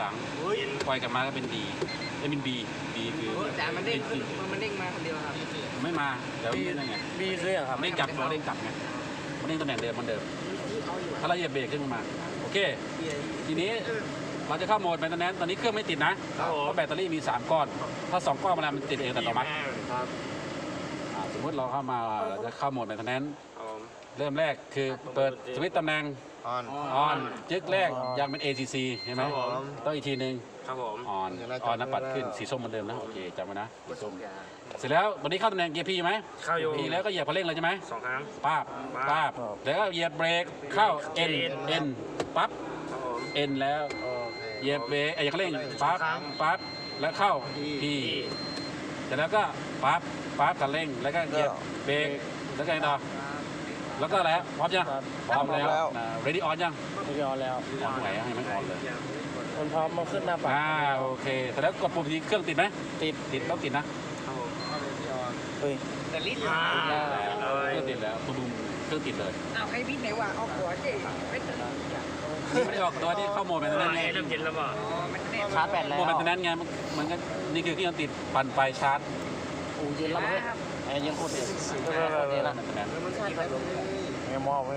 หลังปล่อยกลับมาก็เป็นดีเป็นบีคือแต่มันเด้งมาคนเดียวครับไม่มาเดี๋ยวนี่นั่นไงบีเลยครับไม่กลับเด้งกลับไงมันเด้งตำแหน่งเดิมมันเดิมถ้าเราเหยียบเบรกขึ้นมาโอเคทีนี้เราจะเข้าโหมดแบตเตอรี่ตอนนี้เครื่องไม่ติดนะเพราะแบตเตอรี่มี3ก้อนถ้า2ก้อนมันติดเองแต่ต่อมาสมมติเราเข้ามาจะเข้าโหมดแบตเตอรี่เริ่มแรกคือเปิดสวิตช์ตำแหน่งออนจึ๊กแรกยังเป็น ACC ใช่ไหมต้องอีกทีนึงออนนะปัดขึ้นสีส้มเหมือนเดิมนะโอเคจำไว้นะสีส้มเสร็จแล้ววันนี้เข้าตำแหน่งเกียร์พีไหมเข้าอยู่พีแล้วก็เหยียบคันเร่งเลยใช่ไหม 2 ครั้งปั๊บแล้วก็เหยียบเบรกเข้า N ปั๊บ N แล้วเหยียบเบรกเหยียบคันเร่งปั๊บแล้วเข้า P เสร็จแล้วก็ปั๊บคันเร่งแล้วก็เหยียบเบรกแล้วก็ต่อแล้วก็แล้วพร้อมยังพร้อมแล้ว ready on ยัง ready on แล้วออนไหนให้มันออนเลยมันพร้อมมาขึ้นหน้าปัดโอเคแต่แล้วกดปุ่มทีเครื่องติดไหมติดต้องติดนะแต่ลิ้นเครื่องติดแล้วตุ้มเครื่องติดเลยเอาให้พี่ไหนว่าเอาหัวเจ๊ไม่ติดไม่ได้ออกตัวที่เข้าโหมดแบตเตอรี่ไงเริ่มเย็นแล้วป่ะชาร์จแบตแล้วโหมดแบตเตอรี่ไงมันก็นี่คือเครื่องติดปั่นไฟชาร์จเย็นแล้วมั้ยยังโคตรเย็นนะไม่มอบไว้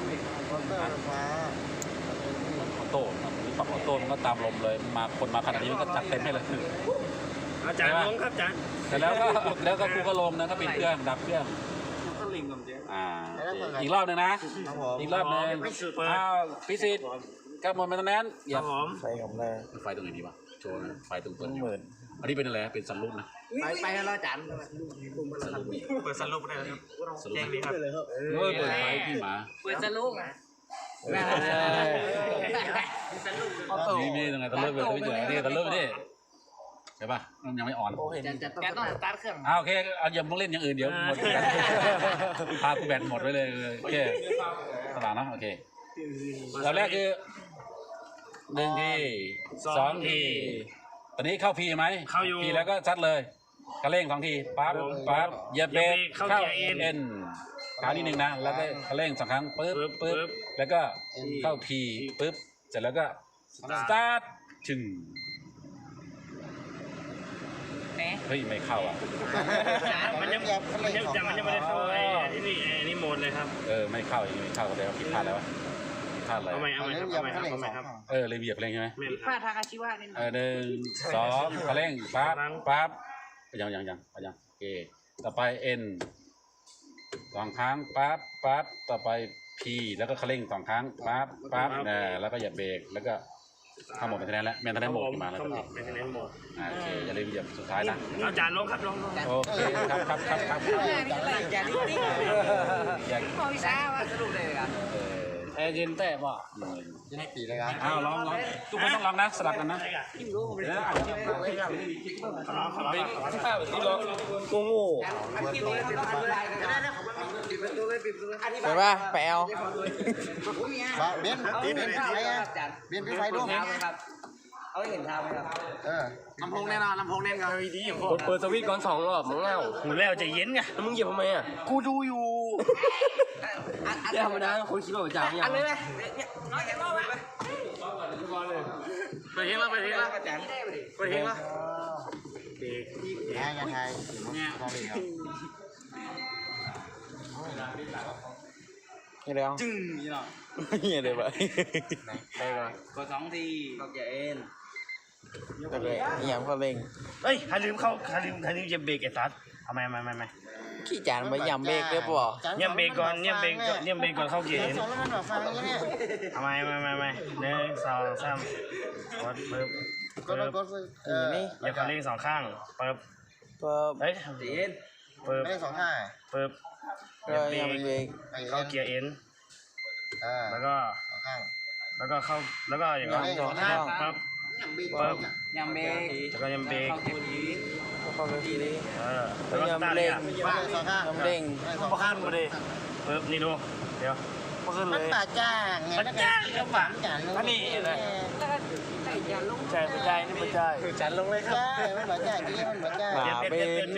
ออโต้ปรับออโต้มันก็ตามลมเลยมาคนมาขนาดนี้มันก็จัดเต็มให้เลยอาจารย์ลงครับอาจารย์แต่แล้วก็กูก็ลงนะก็ปิดเครื่องดับเครื่องอีกรอบนึงนะอีกรอบนึงพิสิทธิ์กับหมดแบตเตอรี่อย่าไฟของแรงไฟตรงไหนดีวะโชว์นะไฟตรงต้นอันนี้เป็นอะไรเป็นซันรูฟนะไปแล้วอาจารย์เปิดซันรูฟได้ครับแจ้งดีครับเปิดไฟพี่หมาเปิดซันรูฟนี่ตรงไหนซันรูฟเลยไม่เจอนี่ซันรูฟนี่ใช่ป่ะมันยังไม่อ่อนแกต้องสตาร์ทเครื่องโอเคเอาอย่าต้องเล่นอย่างอื่นเดี๋ยวหมดพากูแบตหมดไปเลยโอเคสบายนะโอเคเราแรกคือ1 ที2 ทีตอนนี้เข้าพีไหมเข้าอยู่พีแล้วก็ซัดเลยกระเร่ง2 ทีปั๊บเหยียบเบรกเข้าเอ็นคราวนี้1นะแล้วก็กระเร่ง2 ครั้งปึ๊บแล้วก็เข้าพีปึ๊บเสร็จแล้วก็สตาร์ทถึงเฮ้ยไม่เข้าอ่ะมันยังไม่ได้เข้าไอ้นี่โหมดเลยครับไม่เข้าอย่างนี้ไม่เข้าก็เลยผิดพลาดแล้วผิดพลาดอะไรทำไมครับเลยเหยียบเร่งใช่ไหมผิดพลาดทางอาชีวะนี่ 1 2กระเร่งปั๊บยังโอเคต่อไป N 2 ครั้งปั๊บต่อไป P แล้วก็กระเร่ง2 ครั้งปั๊บแล้วก็เหยียบเบรกแล้วก็เข้าโหมดเป็นคะแนนแล้วแมนคะแนนโหมดขึ้นมาแล้วเป็นคะแนนโหมดโอเคอย่าลืมเหยียบสุดท้ายนะเอาจานลงครับลงโอเคครับอย่าดิ้นพอวิชาว่าสรุปเลยครับเย็นแต่ป่ะยังให้ปีเลยครับลองทุกคนต้องลองนะสลับกันนะที่ลองงูไปป่ะแปลวเบี้ยนพี่ไฟด้วยเอาเห็นทางไหมครับลำโพงแน่นอนลำโพงแน่นอนดีเปิดสวิตช์ก่อน2 รอบมึงแล้วหูแล้วจะเย็นไงแล้วมึงเหยียบทำไมอ่ะกูดูอยู่ธรรมดาคนคิดว่าจะอย่างอันนี้เลยน้อยแค่รอบไปเฮงแล้วเฮงแล้วเด็กยังไงเนี่ยนี่แล้วจึ้งนี่หรอนี่เลยไปได้ก่อนกด2 ทีก็แกเอ็นแต่เลยนี่ยังก็เร่งเฮ้ยใครลืมจะเบรกไอ้สัสทำไมขี้จานไปยำเบรกเรียบร้อยยำเบรกก่อนเข้าเกียร์ทำไม1 2 3กดปึ๊บนี่อย่าคันเร่ง2 ข้างปึ๊บเฮ้ยปึ๊บไม่ได้2 ข้างปึ๊บยำเบรกเข้าเกียร์เอ็นแล้วก็เข้าแล้วก็อย่างนั้น 2 ข้างปึ๊บยำเบรกแล้วก็ยำเบรกเข้าไปทีนี้แล้วก็สตาร์ทเลย 2 ข้างเร่งข้างมาดิปึ๊บนี่ดูเดี๋ยวมาขึ้นเลยมันป่าจ้างไงมันจ้างก็ฝังอันนี้เลยใช่ไม่ใช่นี่ไม่ใช่จันลงเลยครับใช่มันป่าจ้างที่มันป่าจ้างเป็น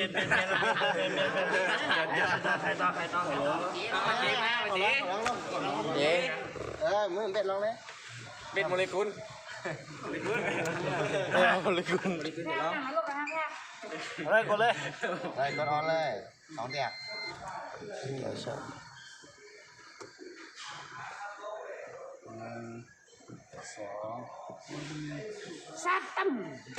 ใครต้องมาเจ๊มาเจ๊เจ๊มึงเป็ดลงเลยเป็ดโมเลกุลเอาเลยคุณเอาเลยกดเลยได้กดออนเลย2เดียกซัดตั้ม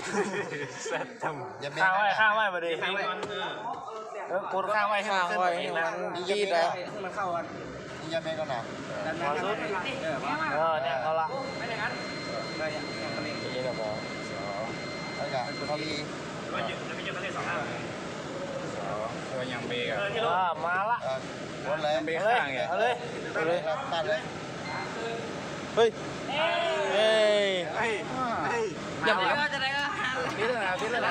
อย่าเบรข้างไว้มาดิกดข้างไว้ให้มันขึ้นมาเองนะดีแล้วมันเข้ากันอย่าเบรก่อนนะพอสุดเนี่ยเขาละไม่ได้งั้นนี่นะบอสแล้วก็เขาดีตัวยังเบรกอ่ะมาละกดเลยเบรกเอาเลยข้างไงเอาเลยเอาเลยตัดเลยเฮ้ยเฮ้ยอย่าเบรกจะได้ก็นี่เลยนะนี่เลยนะ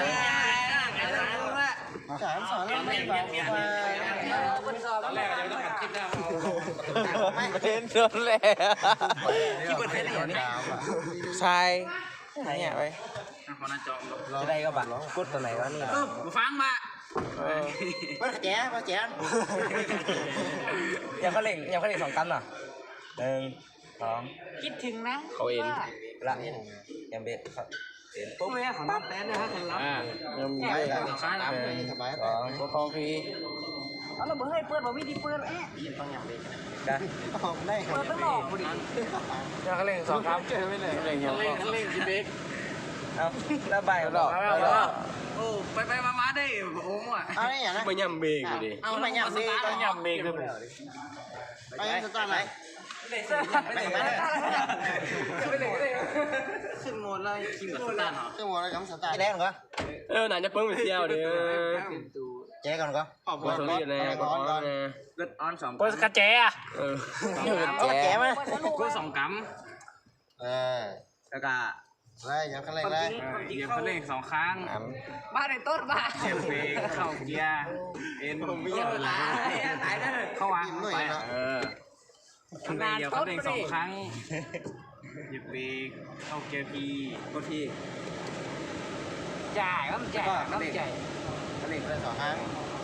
สามสอนแล้วไม่บอกว่าตอนแรกยังต้องอัดคลิปหน้าเอาเป็นโดนแหละที่เปิดให้ได้อย่างนี้ชายเนี่ยไปจะได้ก็บัตรกดตัวไหนวะนี่ฟังมามาแจ๊มาแจ๊ยังเขาเล่ง2 ตันเหรอ1 2 คิดถึงนะเขาเองละยังเบ็ดครับปุ๊บเลยของน้ำแตนนะฮะของเรายังมีได้เลยสบายแล้วสบาย 2กดทองฟรีเอาเราเบอร์ให้เปิดบอกวิธีเปิดเอ๊ะกันได้เปิดตั้งหลอกพอดียังเขาเล่ง2 ครับเจอไม่เลยเล่งยังเล่นจิเบรกเอาแล้วใบหรอโอ้ไปมาได้โอ้โหอ่ะเอาได้อย่างนั้นไปย่ำเบรกอยู่ดิเอาไปย่ำดีไปย่ำเบรกด้วยไปสตาร์ไหนขึ้นโหมดแล้วคิมกับสตาร์ทเหรอขึ้นหัวเลยกับสตาร์แรกก่อนไหนจะเพิ่งไปเที่ยวดิแจ๊ก่อนก็กดสลีเลยกดออนเลยเกิดออน2 กดกระแจอ่ะเอากระแจไหมกู2กัมแล้วก็ได้ยังขั้นแรกได้เหยียบคันเร่ง2 ครั้งบ้านในต้นบ้านเหยียบเบรกเข้าเกียร์เอ็นตายได้เลยเข้าวางไปเหยียบคันเร่ง2 ครั้งเหยียบเบรกเข้าเกียร์พีกดทีจ่ายก็มันจ่ายก็มันจ่ายขั้นแรกได้2 ครั้ง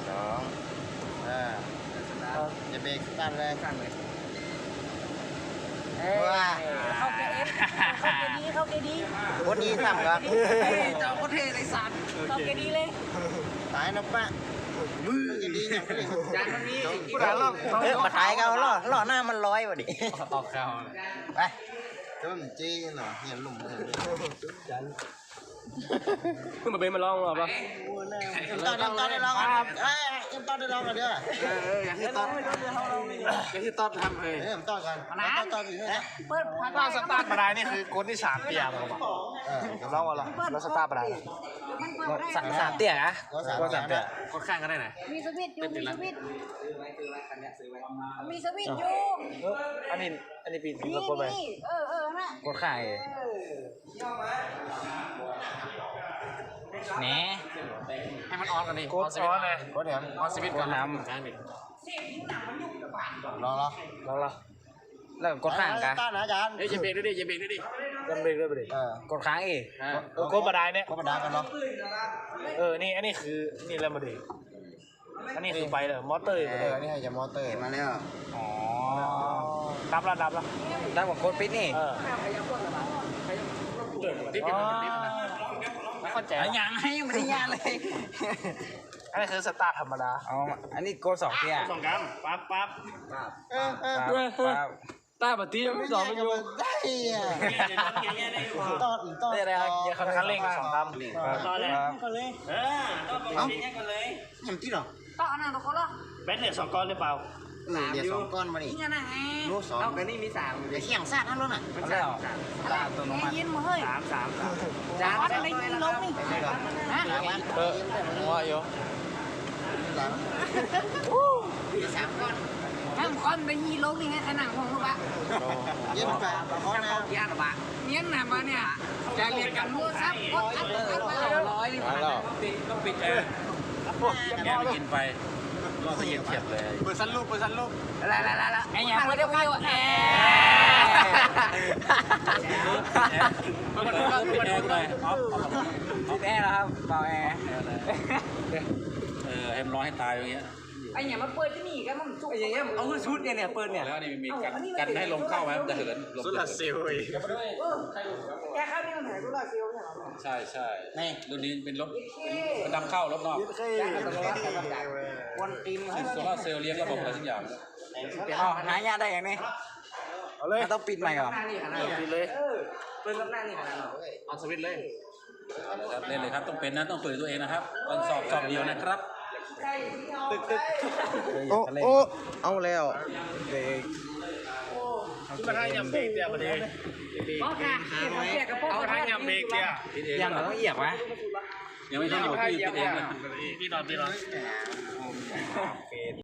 อย่าเบรกสตาร์เลยว้าเข้าเกียร์เอฟเข้าเกียร์ดีโคตรดีสั่งครับเจ้าโคตรเท่เลยสัตว์เข้าเกียร์ดีเลยตายนะป้ามือจะดีอย่างนี้จานมันมีมาถ่ายกันล่อหน้ามันร้อยวะดิออกข่าวไปต้นจีนเหรอเห็นหลุมเลยเพิ่งมาเป็นมาลองหรอปะตอนได้ลองตอนได้ลองกันเด้ออย่างที่ต๊อบทำเลยต่อกันต่ออยู่นี่เปิดพันถ้าสตาร์ทมาได้นี่คือกดที่3 เตียงหรอปะเราอะไรเราสตาร์ทมาได้มันเปิดได้ 3 เตียงอะก็3 เตียงกดข้างก็ได้นะมีสวิตช์อยู่มีสวิตช์อยู่อันนี้ปีนนี่เรากดไปนี่นะกดข่ายแหนให้มันออนกันดิกดซ้อนเลยก็เดี๋ยวออนสวิตช์ก่อนน้ำข้างดิรอแล้วแล้วกดข้างกันต้านอาจารย์เฮ้ยอย่าเบรกด้วยดิอย่าเบรกด้วยดิยังเบรกด้วยไปดิกดค้างอีกกดบันไดเนี่ยก็มาด่ากันเนาะนี่อันนี้คือนี่แล้วมาดิอันนี้คือไปเลยมอเตอร์ไปเลยนี่ให้จะมอเตอร์มาแล้วอ๋อดับละดับของโคตรปิดนี่ติ๊บเป็นติ๊บนะเข้าใจอย่างให้ไม่ได้ยาเลยอันนี้คือสตาร์ทธรรมดาอันนี้โก2 เตีย 2 กรัมปั๊บต้าปฏิไม่สอนมันอยู่ได้อ่ะต้นได้อะไรครับอย่าคันเร่ง2 กรัมต่อเลยเห็นที่หรอต่อหน้าตัวคนละแบตเหลือ2 ก้อนหรือเปล่าเดี๋ยว2 ก้อนมาดินี่นะไงลูก2 เอาไปนี่มี3 เดี๋ยวเขี่ยงซาดทั้งรถน่ะมันแล้วยินมาเฮ้ย 3 จานอะไรยินลงนี่ฮะว่าอยู่ 3 ก้อนห้ามคอนไปยีลงนี่ให้ขนาดของลูกอะเย็นไปเพราะนะยากหรอปะเงี้ยนะมาเนี่ยจะเรียนกันมั่วซับกดอัดมา100นี่ต้องปิดแอร์แกไม่กินไปรอจะเย็นเฉียบเลยเปิดซันลูกละไอ้ยังไม่ได้วิวแอร์ปิดแอร์ปิดแอร์กูหน่อยออฟปิดแอร์แล้วครับเป่าแอร์ให้มันร้อนให้ตายอย่างเงี้ยไอ้เนี่ยมาเปิดที่นี่กันมันไอ้อย่างเงี้ยเอาขึ้นชุดเนี่ยเปิดเนี่ยแล้วนี่มีกันให้ลมเข้าไหมมันจะเหินลมโซลาร์เซลล์อีกแกข้าวนี่มันหายกูละเซลล์เนี่ยหรอใช่รุ่นนี้เป็นรถเป็นนำเข้ารถนอกวันตีนโซล่าเซลล์เลี้ยงระบบอะไรทุกอย่างหายาได้ยังไงเอาเลยต้องปิดใหม่ก่อนหน้านี่ขนาดนี้เลยเปิดกับหน้านี่ขนาดนี้เอาสวิตช์เลยครับเล่นเลยครับต้องเป็นนะต้องฝึกตัวเองนะครับวันสอบเดียวนะครับโอ้เอาแล้วเด็กกระทั่งยำเบรกเดียวประเดี๋ยวพ่อค่ะเอากระทั่งยำเบรกเดียวคิดเองยังต้องเหยียบไหมยังไม่ใช่อยู่ที่คิดเองเลยพี่นอน